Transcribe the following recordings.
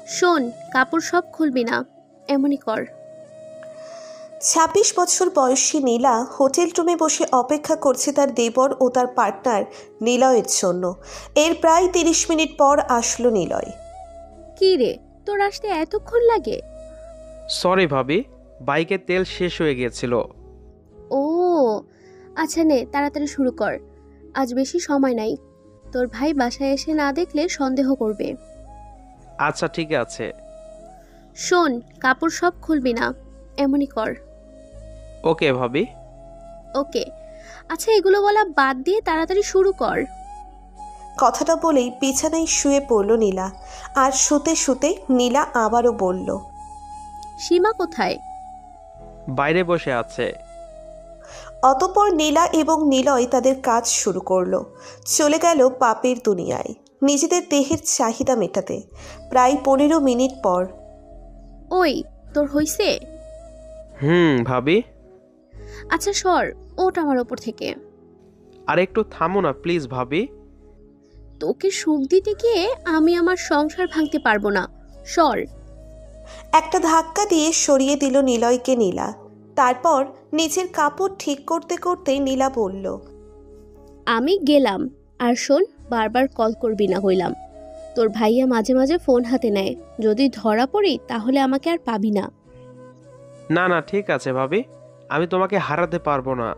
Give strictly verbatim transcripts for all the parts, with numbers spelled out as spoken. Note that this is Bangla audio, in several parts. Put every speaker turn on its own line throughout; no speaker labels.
শোন, কাপড় সব খুলবি না, এমনই কর।
ছাব্বিশ বছর বয়সী নীলা হোটেল রুমে বসে অপেক্ষা করছে তার দেবর ও তার পার্টনার নিলয়ের জন্য। এর প্রায় তিরিশ মিনিট পর আসলো নিলয়।
কি রে, তোর আসতে এতক্ষণ লাগে?
সরি ভাবি, বাইকে তেল শেষ হয়ে গিয়েছিল।
ও আচ্ছা, নে তাড়াতাড়ি শুরু কর, আজ বেশি সময় নাই। তোর ভাই বাসায় এসে না দেখলে সন্দেহ করবে।
আচ্ছা ঠিক আছে।
শোন, কাপড় সব খুলবি না, এমনই কর।
ওকে ভাবি।
ওকে। আচ্ছা, এগুলো বলা বাদ দিয়ে তাড়াতাড়ি শুরু কর।
কথাটা বলেই বিছানায় শুয়ে পড়ল নীলা। আর শুতে শুতে নীলা আবারও বলল,
সীমা কোথায়?
বাইরে বসে আছে।
অতঃপর নীলা এবং নিলয় তাদের কাজ শুরু করলো। চলে গেল পাপের দুনিয়ায় নিজেদের দেহের চাহিদা মেটাতে। প্রায় পনেরো মিনিট পর,
ওই, তোর হইছে?
হুম ভাবি।
আচ্ছা সর, ওঠ আমার ওপর থেকে।
আর একটু থামো না প্লিজ ভাবি।
তোকে সুখ দিতে গিয়ে আমি আমার সংসার ভাঙতে পারবো না, সর।
একটা ধাক্কা দিয়ে সরিয়ে দিল নিলয়কে নীলা। তারপর নিজের কাপড় ঠিক করতে করতে নীলা বলল,
আমি গেলাম। আর শোন, বারবার কল করবি না হইলাম। তোর ভাইয়া মাঝে মাঝে ফোন হাতে নেয়, যদি ধরা পড়ি তাহলে আমাকে আর পাবি না।
না না ঠিক আছে ভাবি, আমি তোমাকে হারাতে পারবো না।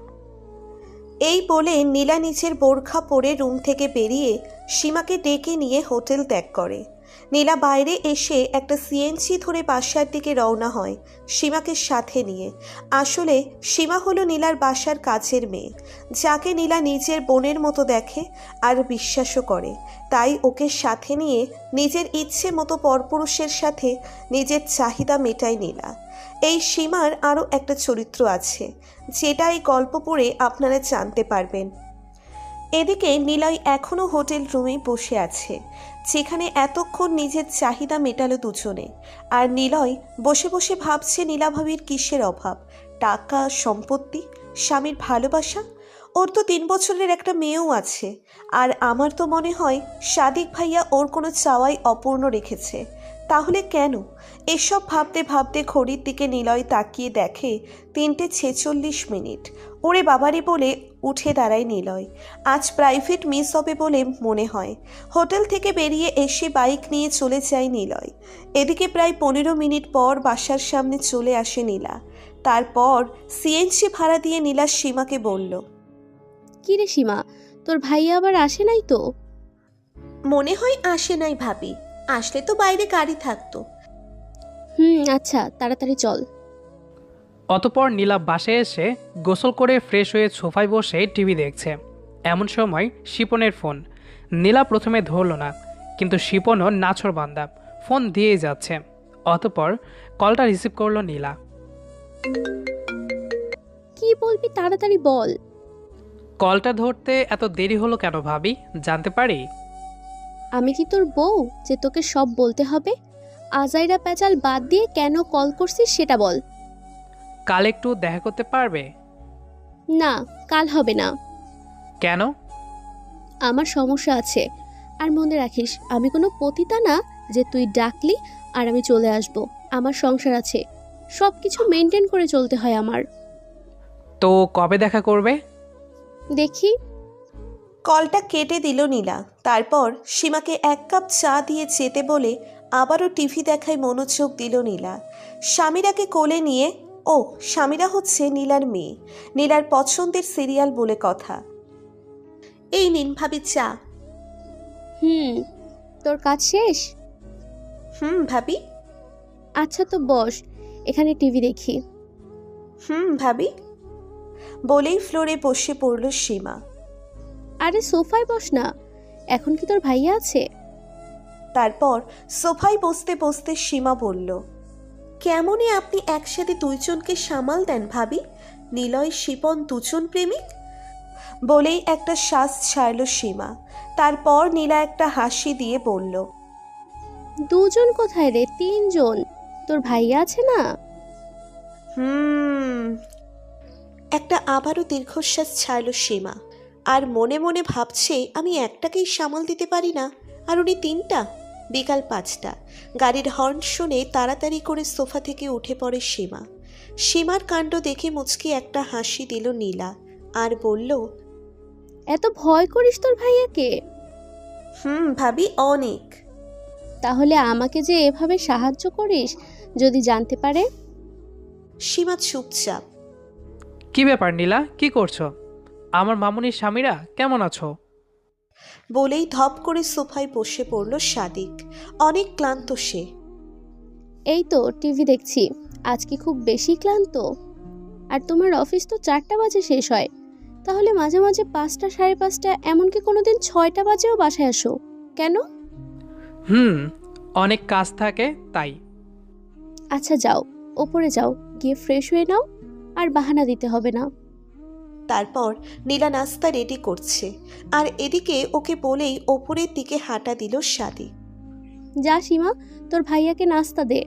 এই বলে নীলা নিচের বোরখা পরে রুম থেকে বেরিয়ে সীমাকে ডেকে নিয়ে হোটেল ত্যাগ করে। নীলা বাইরে এসে একটা সিএনজি ধরে বাসার দিকে রওনা হয় সীমাকে সাথে নিয়ে। আসলে সীমা হলো নীলার বাসার কাছের মেয়ে, যাকে নীলা নিজের বোনের মতো দেখে আর বিশ্বাসও করে। তাই ওকে সাথে নিয়ে নিজের ইচ্ছে মতো পরপুরুষের সাথে নিজের চাহিদা মেটায় নীলা। এই সীমার আরও একটা চরিত্র আছে, যেটা এই গল্প পড়ে আপনারা জানতে পারবেন। এদিকে নিলয় এখনও হোটেল রুমে বসে আছে, যেখানে এতক্ষণ নিজের চাহিদা মেটালো দুজনে। আর নিলয় বসে বসে ভাবছে নীলাভাবির কিসের অভাব, টাকা, সম্পত্তি, স্বামীর ভালোবাসা। ওর তো তিন বছরের একটা মেয়েও আছে। আর আমার তো মনে হয় সাদিক ভাইয়া ওর কোনো চাওয়াই অপূর্ণ রেখেছে। তাহলে কেন? এসব ভাবতে ভাবতে ঘড়ির দিকে নিলয় তাকিয়ে দেখে তিনটে ছেচল্লিশ মিনিট। ওরে বাবারি বলে উঠে দাঁড়ায় নিলয়। আজ প্রাইভেট মিস হবে বলে মনে হয়। হোটেল থেকে বেরিয়ে এসে বাইক নিয়ে চলে যায় নিলয়। এদিকে প্রায় পনেরো মিনিট পর বাসার সামনে চলে আসে নীলা। তারপর সিএনজি ভাড়া দিয়ে নীলা সীমাকে বলল,
কি রে সীমা, তোর ভাইয়া আবার আসে নাই তো?
মনে হয় আসে নাই ভাবি, আসলে তো বাইরে গাড়ি থাকতো।
হুম আচ্ছা, তাড়াতাড়ি চল।
অতপর নীলা বাসায় এসে গোসল করে ফ্রেশ হয়ে সোফায় বসে টিভি দেখছে। এমন সময় শিপনের ফোন। নীলা প্রথমে ধরল না, কিন্তু শিপনও নাছোড়বান্দা, ফোন দিয়েই যাচ্ছে। অতপর কলটা রিসিভ করলো নীলা।
কি বলবি তাড়াতাড়ি বল।
কলটা ধরতে এত দেরি হলো কেন ভাবি, জানতে পারি?
আমি কি তোর বউ যে তোকে সব বলতে হবে? আজাইরা প্যাচাল বাদ দিয়ে কেন কল করছিস সেটা বল।
কাল একটু দেখা করতে পারবে?
না, কাল হবে না।
কেন?
আমার সমস্যা আছে। আর মনে রাখিস, আমি কোনো পতিতা না যে তুই ডাকলি আর আমি চলে আসব। আমার সংসার আছে, সব কিছু মেনটেন করে চলতে হয় আমার।
তো কবে দেখা করবে?
দেখি।
কলটা কেটে দিল নীলা। তারপর সীমাকে এক কাপ চা দিয়ে যেতে বলে আবারও টিভি দেখায় মনোযোগ দিল নীলা। স্বামীরাকে কোলে নিয়ে, ও স্বামীরা হচ্ছে নীলার মেয়ে, নীলার পছন্দের সিরিয়াল বলে কথা। এই নিন ভাবি চা।
হুম, তোর কাজ শেষ?
হুম ভাবি।
আচ্ছা তো বস, এখানে টিভি দেখি।
হুম ভাবি বলেই ফ্লোরে বসে পড়ল সীমা।
আরে সোফায় বস না, এখন কি তোর ভাইয়া আছে?
তারপর সোফায় বসতে বসতে সীমা বলল, কেমনই আপনি একসাথে দুইজনকে সামাল দেন ভাবি? নিলয় শিপন দুজন প্রেমিক। বলেই একটা শ্বাস ছাড়ল সীমা। তারপর নীলা একটা হাসি দিয়ে বলল,
দুজন কোথায় রে, তিনজন। তোর ভাইয়া আছে না?
হুম। একটা আবারও দীর্ঘশ্বাস ছাড়ল সীমা। আর মনে মনে ভাবছে, আমি একটাকেই সামাল দিতে পারি না, আর উনি তিনটা। বিকাল পাঁচটা। গাড়ির হর্ন শুনে তাড়াতাড়ি করে সোফা থেকে উঠে পড়ে সীমা। সীমার কাণ্ড দেখে মুচকি একটা হাসি দিল নীলা আর বলল,
এত ভয় করিস তোর ভাইয়াকে?
হুম ভাবি, অনেক।
তাহলে আমাকে যে এভাবে সাহায্য করিস যদি জানতে পারে?
সীমা চুপচাপ।
কি ব্যাপার নীলা, কি করছো? আমার মামুনির স্বামীরা কেমন আছো?
বলেই ধপ করে সোফায় বসে পড়ল সাদিক। অনেক ক্লান্ত সে।
এই তো টিভি দেখছি। আজ কি খুব বেশি ক্লান্ত? আর তোমার অফিস তো চারটা বাজে শেষ হয়, তাহলে মাঝে মাঝে পাঁচটা সাড়ে পাঁচটা এমনকি কোনোদিন ছয়টা বাজেও বাসায় আসো কেন?
হুম, অনেক কাজ থাকে তাই।
আচ্ছা যাও, ওপরে যাও, গিয়ে ফ্রেশ হয়ে নাও, আর বাহানা দিতে হবে না।
তারপর নীলা নাস্তা রেডি করছে, আর এদিকে ওকে বলেই ওপরের দিকে হাঁটা দিল সাদিক।
যা সীমা, তোর ভাইয়াকে নাস্তা দে।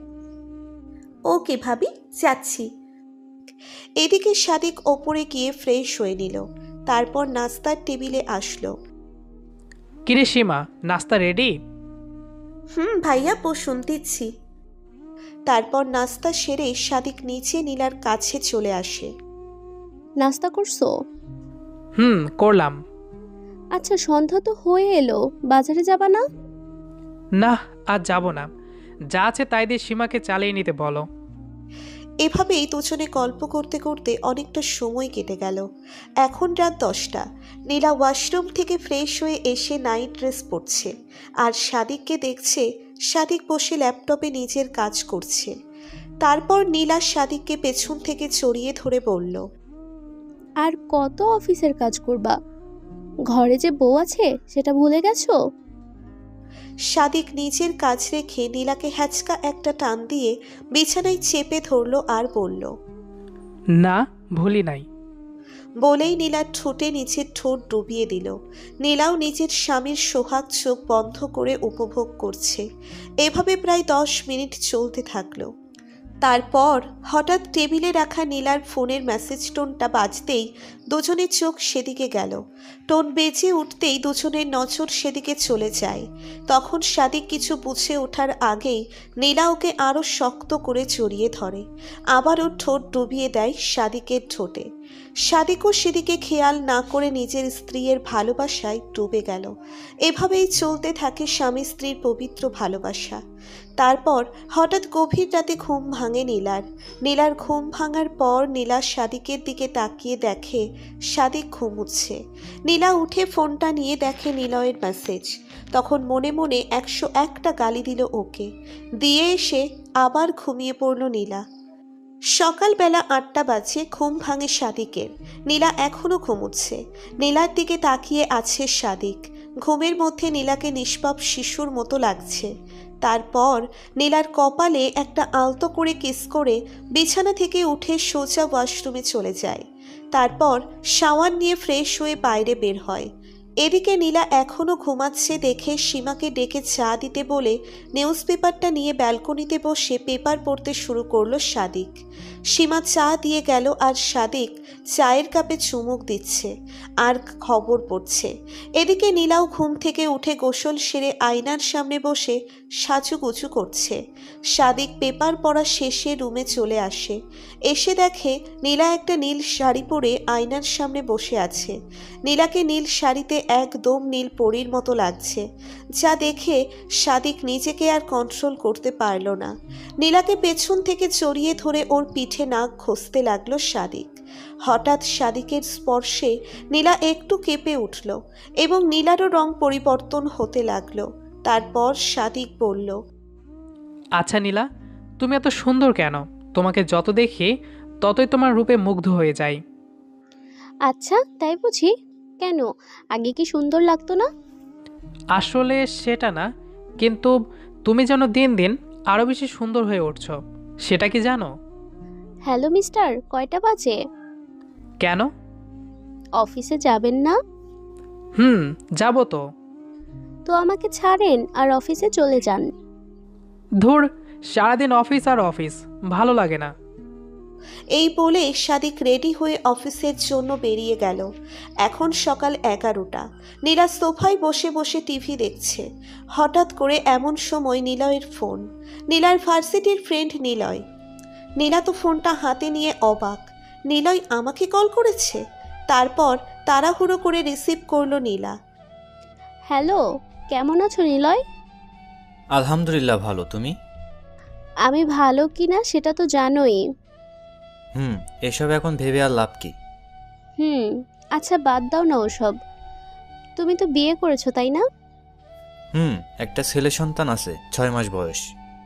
ওকে ভাবি, যাচ্ছি। এদিকে সাদিক ওপরে গিয়ে ফ্রেশ হয়ে নিল, তারপর নাস্তার টেবিলে আসলো।
কিরে সীমা, নাস্তা রেডি?
হুম ভাইয়া, বসুন দিচ্ছি। তারপর নাস্তা সেরে সাদিক নিচে নীলার কাছে চলে আসে।
নাস্তা করছো?
হুম, করলাম।
আচ্ছা সন্ধ্যা তো হয়ে এলো, বাজারে যাবা না?
না, আজ যাব না। যা আছে তাই দিয়ে সীমাকে চালিয়ে নিতে বলো।
এভাবেই দুজনে গল্প করতে করতে অনেকটা সময় কেটে গেল। এখন রাত দশটা। নীলা ওয়াশরুম থেকে ফ্রেশ হয়ে এসে নাইট ড্রেস পরছে, আর সাদিককে দেখছে। সাদিক বসে ল্যাপটপে নিজের কাজ করছে। তারপর নীলা সাদিককে পেছন থেকে জড়িয়ে ধরে বলল,
আর কত অফিসের কাজ করবা? ঘরে যে বউ আছে সেটা ভুলে গেছো?
সাদিক নিজের কাজ রেখে নীলাকে হ্যাচকা একটা টান দিয়ে বিছানায় চেপে ধরল আর বলল,
না, ভুলি নাই।
বলেই নীলার ঠোঁটে নিচের ঠোঁট ডুবিয়ে দিল। নীলাও নিজের স্বামীর সোহাগ চোখ বন্ধ করে উপভোগ করছে। এভাবে প্রায় দশ মিনিট চলতে থাকলো। তারপর হঠাৎ টেবিলে রাখা নীলার ফোনের মেসেজ টোনটা বাজতেই দুজনের চোখ সেদিকে গেল। টোন বেজে উঠতেই দুজনের নজর সেদিকে চলে যায়। তখন সাদিক কিছু বুঝে ওঠার আগেই নীলা ওকে আরও শক্ত করে জড়িয়ে ধরে, আবারও ঠোঁট ডুবিয়ে দেয় সাদিকের ঠোঁটে। সাদিকও সেদিকে খেয়াল না করে নিজের স্ত্রীর ভালোবাসায় ডুবে গেল। এভাবেই চলতে থাকে স্বামী স্ত্রীর পবিত্র ভালোবাসা। তারপর হঠাৎ গভীর রাতে ঘুম ভাঙে নীলার। নীলার ঘুম ভাঙার পর নীলা সাদিকের দিকে তাকিয়ে দেখে সাদিক ঘুমুচ্ছে। নীলা উঠে ফোনটা নিয়ে দেখে নিলয়ের মেসেজ। তখন মনে মনে একশো একটা গালি দিল ওকে। দিয়ে এসে আবার ঘুমিয়ে পড়ল নীলা। সকালবেলা আটটা বাজে ঘুম ভাঙে সাদিকের। নীলা এখনও ঘুমুচ্ছে। নীলার দিকে তাকিয়ে আছে সাদিক। ঘুমের মধ্যে নীলাকে নিষ্পাপ শিশুর মতো লাগছে। তারপর নীলার কপালে একটা আলতো করে কিস করে বিছানা থেকে উঠে সোজা ওয়াশরুমে চলে যায়। তারপর শাওয়ার নিয়ে ফ্রেশ হয়ে বাইরে বের হয়। এদিকে নীলা এখনও ঘুমাচ্ছে দেখে সীমাকে ডেকে চা দিতে বলে নিউজ পেপারটা নিয়ে ব্যালকনিতে বসে পেপার পড়তে শুরু করলো সাদিক। সীমা চা দিয়ে গেল আর সাদিক চায়ের কাপে চুমুক দিচ্ছে আর খবর পড়ছে। এদিকে নীলাও ঘুম থেকে উঠে গোসল সেরে আয়নার সামনে বসে সাজুগুজু করছে। সাদিক পেপার পড়া শেষে রুমে চলে আসে। এসে দেখে নীলা একটা নীল শাড়ি পরে আয়নার সামনে বসে আছে। নীলাকে নীল শাড়িতে একদম নীল পরীর মতো লাগছে, যা দেখে সাদিক নিজেকে আর কন্ট্রোল করতে পারল না। নীলাকে পেছন থেকে জড়িয়ে ধরে ওর পিঠে নাক ঘষতে লাগলো সাদিক। হঠাৎ সাদিকের স্পর্শে নীলা একটু কেঁপে উঠল এবং নীলারও রং পরিবর্তন হতে লাগলো। তারপর সাদিক বলল,
আচ্ছা নীলা, তুমি এত সুন্দর কেন? তোমাকে যত দেখি ততই তোমার রূপে মুগ্ধ হয়ে যাই।
আচ্ছা তাই বুঝি? কেন, আগে কি সুন্দর লাগতো না?
আসলে সেটা না, কিন্তু তুমি যেন দিন দিন আরও বেশি সুন্দর হয়ে উঠছো, সেটা কি জানো?
হ্যালো মিস্টার, কয়টা বাজে?
কেন?
অফিসে যাবেন না?
হুম, যাবো তো।
তো আমাকে ছাড়েন আর অফিসে চলে যান।
ধুর, সারাদিন অফিস আর অফিস, ভালো লাগে না।
এই বলে সাদিক রেডি হয়ে অফিসের জন্য বেরিয়ে গেল। এখন সকাল এগারোটা। নীলা সোফায় বসে বসে টিভি দেখছে। হঠাৎ করে এমন সময় নিলয়ের ফোন। নীলার ভার্সিটির ফ্রেন্ড নিলয়। নীলা তো ফোনটা হাতে নিয়ে অবাক। নিলয় আমাকে কল করেছে। তারপর তাড়াহুড়ো করে রিসিভ করলো নীলা।
হ্যালো, কেমন আছো নিলয়?
আলহামদুলিল্লাহ ভালো, তুমি?
আমি ভালো কি না সেটা তো জানোই।
হুম, এসব এখন ভেবে আর লাভ কি?
হুম, আচ্ছা বাদ দাও না ওসব। তুমি তো বিয়ে করেছো তাই না?
হুম, একটা ছেলে সন্তান আছে, ছয় মাস বয়স।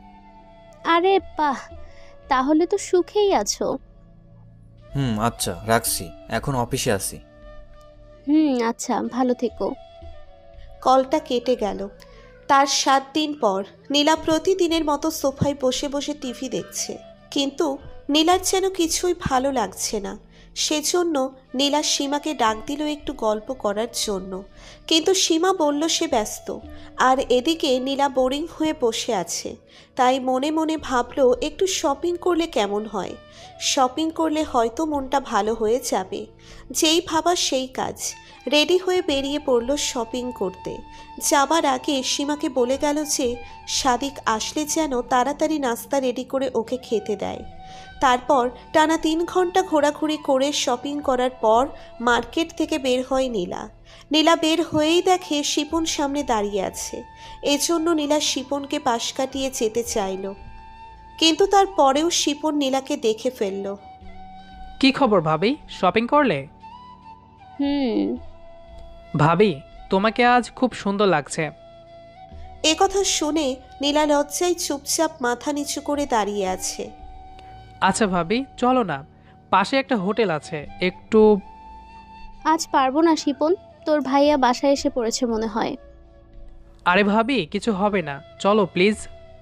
আরে বাহ, তাহলে তো সুখেই আছো।
হুম, আচ্ছা রাখছি, এখন অফিসে আছি।
হুম, আচ্ছা ভালো থেকো।
কলটা কেটে গেল। তার সাত দিন পর নীলা প্রতিদিনের মতো সোফায় বসে বসে টিভি দেখছে, কিন্তু নীলার যেন কিছুই ভালো লাগছে না। সেজন্য নীলা সীমাকে ডাক দিল একটু গল্প করার জন্য, কিন্তু সীমা বলল সে ব্যস্ত। আর এদিকে নীলা বোরিং হয়ে বসে আছে, তাই মনে মনে ভাবলো একটু শপিং করলে কেমন হয়। শপিং করলে হয়তো মনটা ভালো হয়ে যাবে। যেই ভাবা সেই কাজ। রেডি হয়ে বেরিয়ে পড়ল শপিং করতে। যাবার আগে সীমাকে বলে গেল যে সাদিক আসলে যেন তাড়াতাড়ি নাস্তা রেডি করে ওকে খেতে দেয়। তারপর টানা তিন ঘন্টা ঘোরাঘুরি করে শপিং করার পর মার্কেট থেকে বের হয় নীলা। নীলা বের হয়েই দেখে শিপন সামনে দাঁড়িয়ে আছে। এজন্য নীলা শিপনকে পাশ কাটিয়ে যেতে চাইল, কিন্তু তারপরেও শিপন নীলাকে দেখে ফেলল।
কি খবর ভাবি, শপিং করলে?
হুম।
ভাবি, তোমাকে আজ খুব সুন্দর লাগছে।
এ কথা শুনে নীলা লজ্জায় চুপচাপ মাথা নিচু করে দাঁড়িয়ে আছে।
আচ্ছা ভাবি, চলো না, পাশে একটা হোটেল আছে, একটু।
আজ পারবো না শিপন, তোর ভাইয়া বাসায় এসে পড়েছে মনে হয়।
আরে ভাবি, কিছু হবে না, চলো প্লিজ।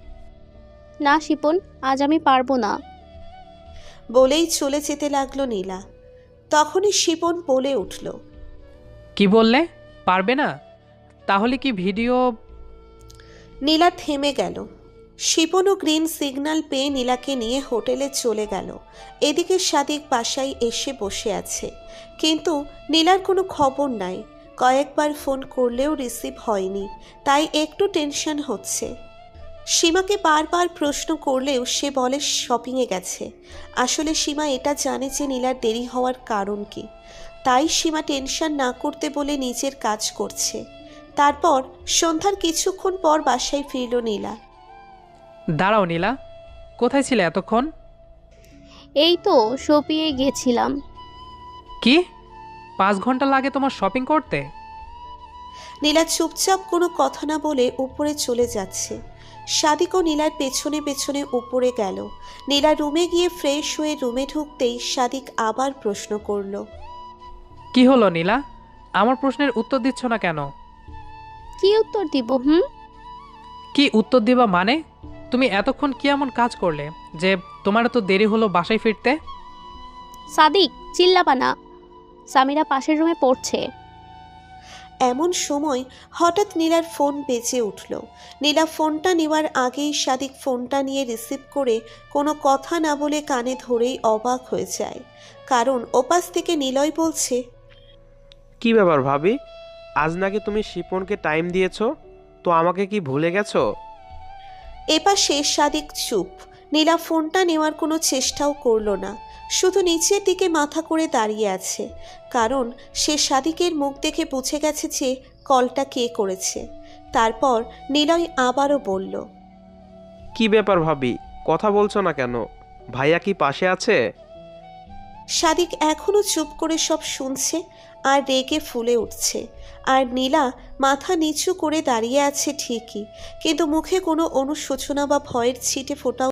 না শিপন, আজ আমি পারবো না।
বলেই চলে যেতে লাগলো নীলা। তখনই শিপন বলে উঠল,
কি বললে? পারবে না? তাহলে কি ভিডিও?
নীলা থেমে গেল। শিপনও গ্রিন সিগন্যাল পেয়ে নীলাকে নিয়ে হোটেলে চলে গেল। এদিকে সাদিক বাসায় এসে বসে আছে, কিন্তু নীলার কোনো খবর নাই। কয়েকবার ফোন করলেও রিসিভ হয়নি, তাই একটু টেনশন হচ্ছে। সীমাকে বারবার প্রশ্ন করলেও সে বলে শপিংয়ে গেছে। আসলে সীমা এটা জানে যে নীলার দেরি হওয়ার কারণ কি, তাই সীমা টেনশন না করতে বলে নিজের কাজ করছে। তারপর সন্ধ্যার কিছুক্ষণ পর বাসায় ফিরল নীলা।
দাঁড়াও নীলা, কোথায় ছিলে এতক্ষণ?
এই তো শপিংয়ে গেছিলাম।
কি, পাঁচ ঘন্টা লাগে তোমার শপিং করতে?
নীলা চুপচাপ কোনো কথা না বলে উপরে চলে যাচ্ছে। সাদিকও নীলার পেছনে পেছনে উপরে গেল। নীলা রুমে গিয়ে ফ্রেশ হয়ে রুমে ঢুকতেই সাদিক আবার প্রশ্ন করল,
কি হলো নীলা, আমার প্রশ্নের উত্তর দিচ্ছ না কেন?
কি উত্তর দিব? হুম,
কি উত্তর দিবা মানে? তুমি এতক্ষণ কি এমন কাজ করলে যে তোমার তো দেরি হলো বাসায় ফিরতে?
সাদিক চিল্লাবা না, সামিরা পাশের রুমে পড়ছে।
এমন সময় হঠাৎ নীলার ফোন বেজে উঠল। নীলা ফোনটা নেওয়ার আগেই সাদিক ফোনটা নিয়ে রিসিভ করে কোনো কথা না বলে কানে ধরেই অবাক হয়ে যায়, কারণ ওপাশ থেকে নিলয় বলছে,
কি ব্যাপার ভাবি, আজ নাকি তুমি শিপনকে টাইম দিয়েছো, তো আমাকে কি ভুলে গেছো?
এপাশে সাদিক চুপ। নীলা ফোনটা নেওয়ার কোনো চেষ্টাও করল না, শুধু নিচের দিকে মাথা করে দাঁড়িয়ে আছে, কারণ সে সাদিকের মুখ দেখে বুঝে গেছে যে কলটা কে করেছে। তারপর নিলয় আবারও বলল,
কি ব্যাপার ভাবি, কথা বলছো না কেন? ভাইয়া কি পাশে আছে?
সাদিক এখনো চুপ করে সব শুনছে আর রেগে ফুলে উঠছে। আর নীলা মাথা নিচু করে দাঁড়িয়ে আছে ঠিকই, কিন্তু মুখে কোনো অনুশোচনা বা ভয়ের ছিটে ফোটাও